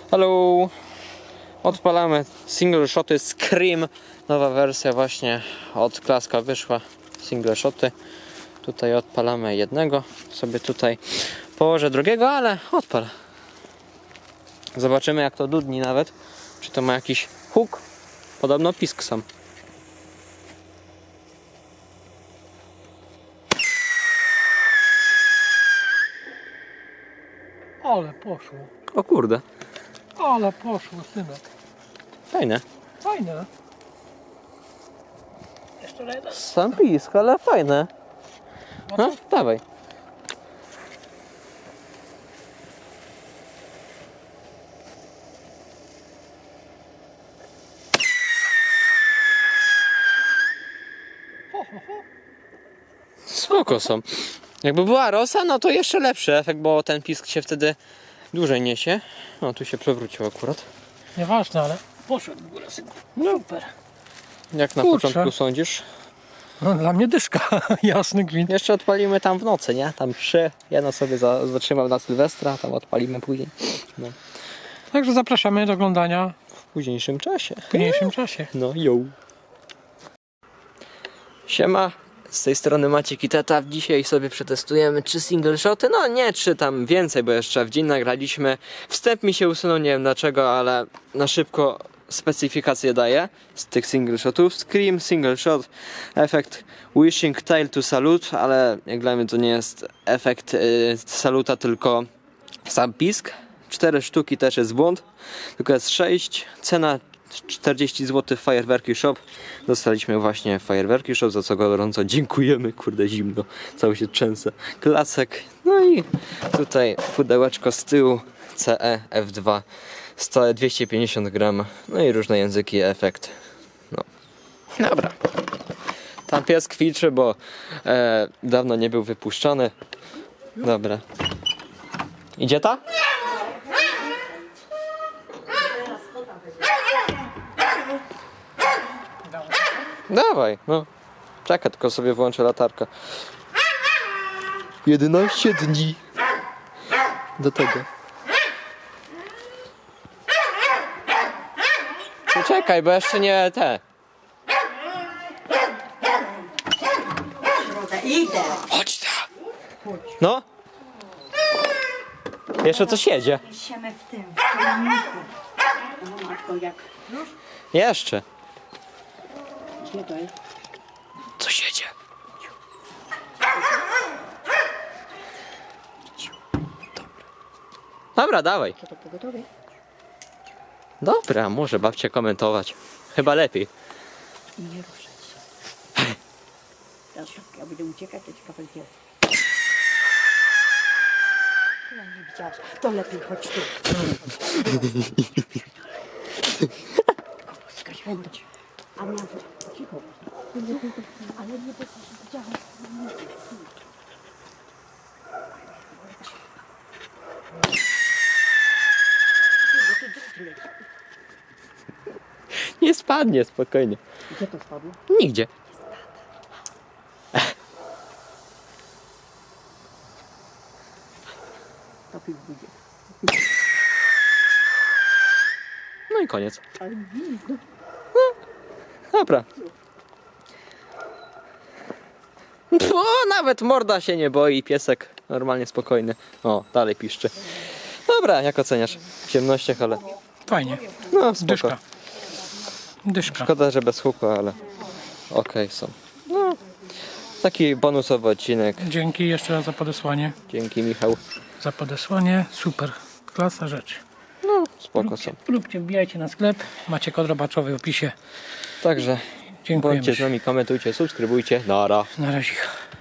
Halo! Odpalamy single shoty Scream. Nowa wersja właśnie od Klaska wyszła. Single shoty. Tutaj odpalamy jednego. Sobie tutaj położę drugiego, ale odpal. Zobaczymy, jak to dudni nawet. Czy to ma jakiś huk? Podobno pisk sam. Ale poszło. O kurde. Ale poszło, synek. Fajne. Fajne. Jeszcze jeden. Sam pisk, ale fajne. No, dawaj. Spoko są. Jakby była rosa, no to jeszcze lepszy efekt, bo ten pisk się wtedy dłużej niesie. No, tu się przewrócił akurat. Nieważne, ale poszedł w górę, synku. Super. Jak na Kurczę. początku sądzisz? No, dla mnie dyszka. Jasny gwint. Jeszcze odpalimy tam w nocy, nie? Tam 3. Jedno sobie zatrzymam na Sylwestra, tam odpalimy później. No. Także zapraszamy do oglądania W późniejszym czasie. w późniejszym czasie. No, yo. Siema. Z tej strony Maciek i Tata. Dzisiaj sobie przetestujemy 3 single shoty. No nie 3, tam więcej, bo jeszcze w dzień nagraliśmy. Wstęp mi się usunął, nie wiem dlaczego, ale na szybko specyfikację daję z tych single shotów. Scream, single shot, efekt Wishing Tail to Salute, ale jak dla mnie to nie jest efekt saluta, tylko sam pisk. 4 sztuki też jest błąd, tylko jest 6. Cena 40 zł w Fajerwerki Shop. Dostaliśmy właśnie w Fajerwerki Shop, za co gorąco dziękujemy. Kurde, zimno, cały się trzęsę. Klasek. No i tutaj pudełeczko z tyłu CE F2 stałe 250 gram. No i różne języki, efekt. No. Dobra. Tam pies kwiczy, bo dawno nie był wypuszczony. Dobra. Idzie ta? Dawaj, no. Czekaj, tylko sobie włączę latarkę. 11 dni. Do tego. Czekaj, bo jeszcze nie te. Idę. Chodź ta. No. Jeszcze coś jedzie. Siemy w tym, w pojemniku. O matko, jak... Już? Jeszcze. Gdzie to jest? Coś jedzie. Dobra, dawaj. Co to pogotowie? Dobra, może babcia komentować. Chyba lepiej. Nie ruszać się. Teraz szybko, ja będę uciekać, to ci kawałek gdzie. Ja nie widziałaś. To lepiej chodź tu. Chodź. A miał... Cicho. Ale nie widziałam. Nie spadnie, spokojnie. Gdzie to spadło? Nigdzie. Topi w budzie. No i koniec. Ale widzę. Dobra. O, nawet morda się nie boi, piesek normalnie spokojny. O, dalej piszczy. Dobra, jak oceniasz? W ciemnościach, ale Fajnie. no spoko. Dyszka. Dyszka. Szkoda, że bez huku, ale okej są. No, taki bonusowy odcinek. Dzięki jeszcze raz za podesłanie. Dzięki, Michał. Za podesłanie. Super. Klasa rzecz. No, spoko są. Róbcie, wbijajcie na sklep. Macie kod rabatowy w opisie. Także Dziękujemy. bądźcie z nami, komentujcie, subskrybujcie. Nara. Na razie.